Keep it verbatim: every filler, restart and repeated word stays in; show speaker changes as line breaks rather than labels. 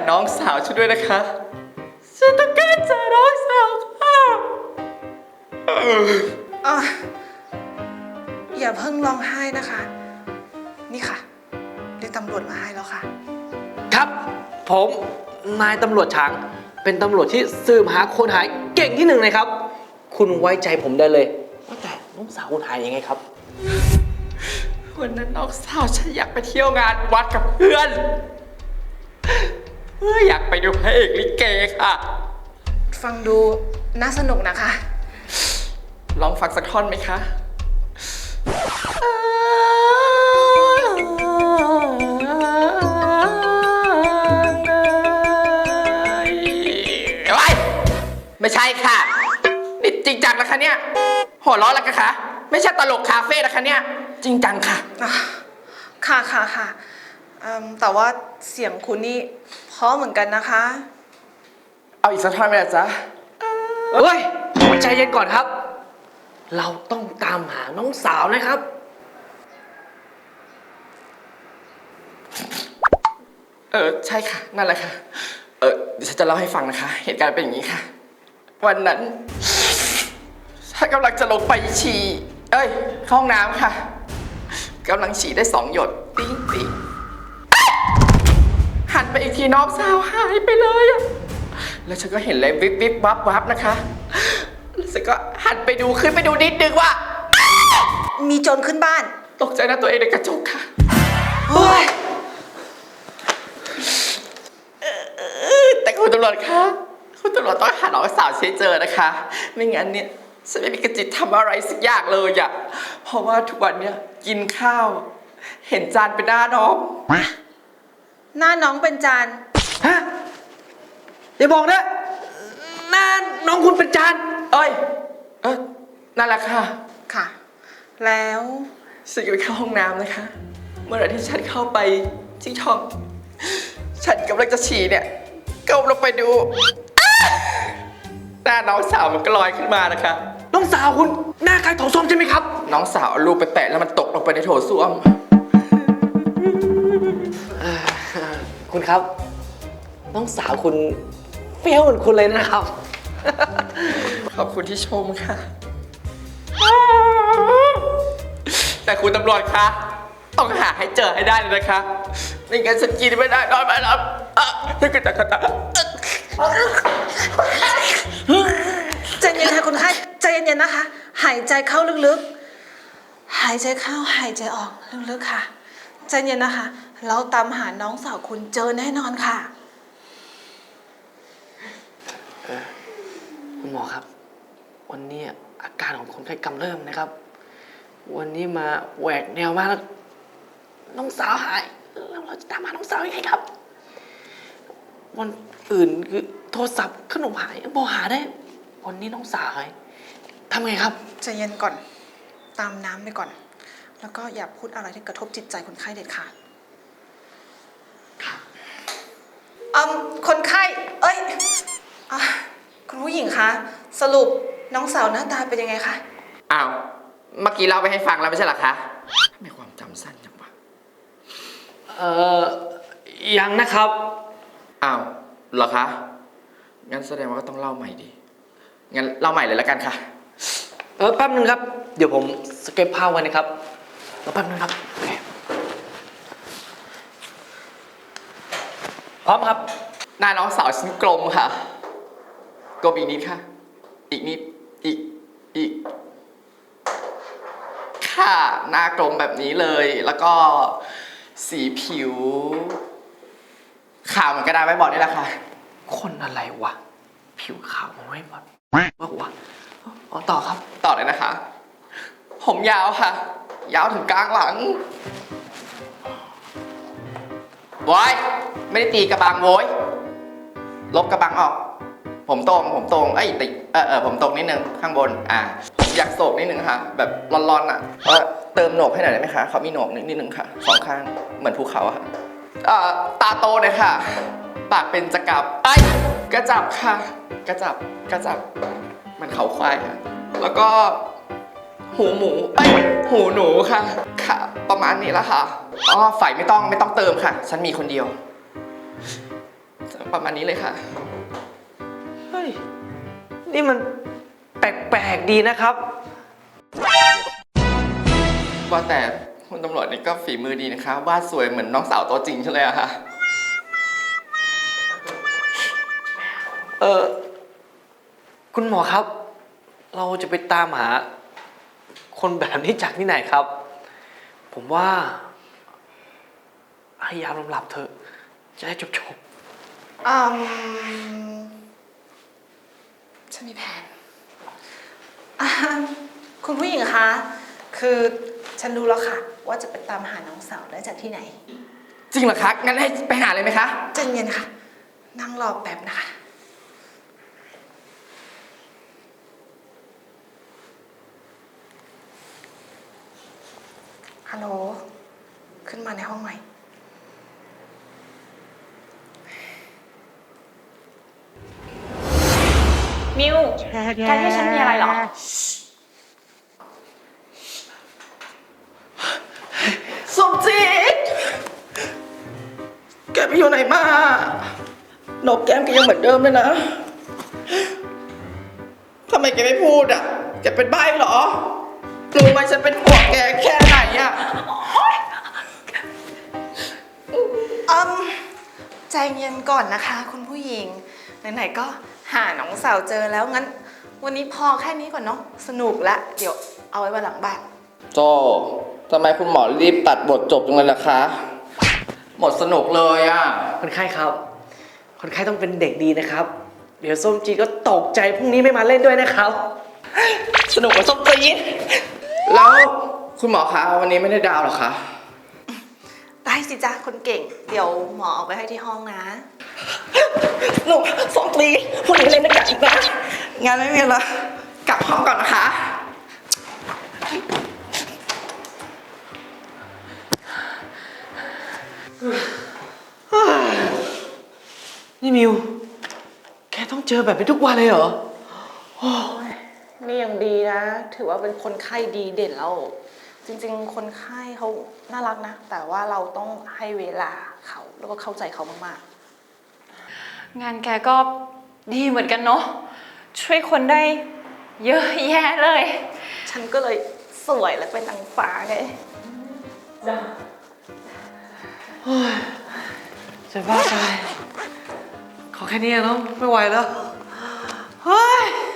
น้องสาวฉันด้วยนะคะฉันต้องการเจอน้องสาวค่ะ
อ่ะอย่าเพิ่งร้องไห้นะคะ นี่ค่ะเรียกตำรวจมาให้แล้วค่ะ
ครับผมนายตำรวจช้างเป็นตำรวจที่สืบหาคนหายเก่งที่หนึ่งเลยครับคุณไว้ใจผมได้เลยว่าแต่น้องสาวคุณหายยังไงครับ
วันนั้นน้องสาวฉันอยากไปเที่ยวงานวัดกับเพื่อนเพื่ออยากไปดูพระเอกลิเกค่ะ
ฟังดูน่าสนุกนะคะ
ลองฟังสักท่อนไหมคะไม่ใช่ค่ะนี่จริงจังนะคะเนี่ยหัวเราะแล้วกันคะไม่ใช่ตลกคาเฟ่นะคะเนี่ยจริงจังค่ะ
ค่ะค่ะค่ะแต่ว่าเสียงคุณนี่เพราะเหมือนกันนะคะ
เอาอีกสักท่อนไหมล่ะจ๊ะ
เฮ้ยใจเย็นก่อนครับเราต้องตามหาน้องสาวนะครับ
เออใช่ค่ะนั่นแหละค่ะเออเดี๋ยวฉันจะเล่าให้ฟังนะคะเหตุการณ์เป็นอย่างนี้ค่ะวันนั้นฉันกำลังจะลงไปฉี่เอ้ยเข้าห้องน้ำค่ะกำลังฉี่ได้สองหยดติ๊งติ๊งหันไปอีกทีน้องสาวหายไปเลยอะแล้วฉันก็เห็นเลยวิบวิบวับวับนะคะแล้วฉันก็หันไปดูขึ้นไปดูนิดนึงว่า
มีโจรขึ้นบ้าน
ตกใจนะตัวเองในกระจกค่ะ
โอ้ย
แต่คุณตำรวจคะคุณตำรวจต้องหาน้องสาวให้เจอนะคะไม่งั้นเนี่ยฉันไม่มีกระจิตทำอะไรสักอย่างเลยอะเพราะว่าทุกวันเนี่ยกินข้าวเห็นจานเป็นหน้าน้อง
หน้าน้องเป็นจาน
ฮะอย่าบอกนะหน้าน้องคุณเป็นจาน
เอ้ยเออนั่นแหละค่ะ
ค่ะแล้ว
ฉันก็ไปเข้าห้องน้ำนะคะเมื่อไหร่ที่ฉันเข้าไปที่ช่องฉันกำลังจะฉี่เนี่ยก้มลงไปดูหน้าน้องสาวมันก็ลอยขึ้นมานะคะ
น้องสาวคุณหน้าคล้ายโถส้วมใช่ไหมครับ
น้องสาวเอาลูกไปแปะแล้วมันตกลงไปในโถส้วม
คุณครับน้องสาวคุณเฟี้ยวเหมือนคุณเลยนะครับ
ขอบคุณที่ชมค่ะแต่คุณตำรวจคะต้องหาให้เจอให้ได้เลยนะคะไม่งั้นฉันกินไม่ได้นอนไม่หลับถ้าเกิดแต่กระตา
ใจเย็นค่ะคุณไข้ใจเย็นๆนะคะหายใจเข้าลึกๆหายใจเข้าหายใจออกลึกๆค่ะใจเย็นนะคะเราตามหาน้องสาวคุณเจอแน่นอนค่ะ
คุณหมอครับวันนี้อาการของคนไข้กำเริบนะครับวันนี้มาแหวกแนวมากแล้วน้องสาวหายแล้วเราจะตามหาน้องสาวยังไงครับวันอื่นคือโทรศัพท์ขนมหายบอกหาได้วันนี้น้องสาวหายทำไงครับ
ใจเย็นก่อนตามน้ำไปก่อนแล้วก็อย่าพูดอะไรที่กระทบจิตใจคนไข้เด็ดขาดอืมคนไข้เอ้ยคุณผู้หญิงคะสรุปน้องสาวหน้าตาเป็นยังไงคะ
อ้าวเมื่อกี้เล่าไปให้ฟังแล้วไม่ใช่หรอคะทำไมความจำสั้นจังวะ
เอ่อยังนะครับ
อ้าวเหรอคะงั้นแสดงว่าก็ต้องเล่าใหม่ดิงั้นเล่าใหม่เลยแล้วกันค่ะ
เออแป๊บนึงครับเดี๋ยวผมสเก็ตภาพไว้นะครับแล้วแป๊บนึงครับพร้อมครับ
หน้าน้องสาวฉันกลมค่ะกลมอีกนิดค่ะอีกนิดอีกอีกค่ะหน้ากลมแบบนี้เลยแล้วก็สีผิวขาวเหมือนกระดาษไม้บอร์ดนี่แหละค่ะ
คนอะไรวะผิวขาวมันไม่บอดว่าวะอ๋อต่อครับ
ต่อเลยนะคะผมยาวค่ะยาวถึงกลางหลังโว้ยไม่ได้ตีกระบังโว้ยลบกระบังออกผมตรงผมตรงเอ้ยติเออเออผมตรงนิดนึงข้างบนอ่าผมอยากโศกนิดนึงค่ะแบบร้อนๆอ่ะเออเติมโหนกให้หน่อยได้ไหมคะเขามีโหนกนิดนึงค่ะสองข้างเหมือนภูเขาอะค่ะอ่าตาโตเลยค่ะปากเป็นจะกับไอ้กระจับค่ะกระจับกระจับมันเขาควายค่ะแล้วก็หูหมูไอ้หูหนูค่ะค่ะประมาณนี้ละค่ะอ๋อไฟไม่ต้องไม่ต้องเติมค่ะฉันมีคนเดียวประมาณนี้เลยค่ะ
เฮ้ย นี่มันแปลกๆดีนะครับ
ว่าแต่คุณตำรวจนี่ก็ฝีมือดีนะคะวาดสวยเหมือนน้องสาวตัวจริงใช่เลยอะค่ะ
เออคุณหมอครับ เราจะไปตามหา คนแบบนี้จากที่ไหนครับ ผมว่าให้ยาลมหลับเถอะ จะได้จบ
อืมฉันมีแผนอ่าคุณผู้หญิงคะ คือฉันรู้แล้วค่ะ ว่าจะไปตามหาน้องสาวได้จากที่ไหน
จริงเหรอคะ งั้นให้ไปหาเลยไหมคะ
ใจเย็นค่ะ นั่งรอแป๊บนะคะ ฮัลโหล ขึ้นมาในห้องหน่อย
มิวแกที่ฉันมีอะไรเหรอ
สมจิต แกไปอยู่ไหนมา นกแก้มแกยังเหมือนเดิมเลยนะ ทำไมแกไม่พูดอ่ะ แกเป็นใบ้เหรอ รู้ไหมฉันเป็นห่วงแกแค่ไหนอ่ะ
อืมใจเย็นก่อนนะคะ คุณผู้หญิง ไหนๆก็หาน้องสาวเจอแล้วงั้น วันนี้พอแค่นี้ก่อนเนาะสนุกละเดี๋ยวเอาไว้วันหลังบ้าน
โจทำไมคุณหมอรีบตัดบทจบจังเลยล่ะคะ หมดสนุกเลยอ่ะ
ๆ คนไข้ครับ คนไข้ต้องเป็นเด็กดีนะครับ เดี๋ยวส้มจีก็ตกใจพรุ่งนี้ไม่มาเล่นด้วยนะครับ
สนุกกว่าส้มจีดแล้วคุณหมอคะวันนี้ไม่ได้ดาวเหรอคะ
ได้สิจ้าคนเก่ง เดี๋ยวหมอเอาไปให้ที่ห้องนะ
หนูส้มจีดพรุ่งนี้เล่นด้วยกันอีกนะงานไม่มีละกลับห้องก่อนนะคะ
นี่มิว แกต้องเจอแบบนี้ทุกวันเลยเหรอ
นี่ยังดีนะ ถือว่าเป็นคนไข้ดีเด่นแล้ว จริงๆ คนไข้เขาน่ารักนะ แต่ว่าเราต้องให้เวลาเขาแล้วก็เข้าใจเขามาก
งานแกก็ดีเหมือนกันเนาะ ช่วยคนได้เยอะแยะเลย
ๆ ฉันก็เลยสวยและเป็นนางฟ้าไง
จะบ้าตาย ขอแค่นี้เนาะไม่ไหวแล้ว เฮ้ย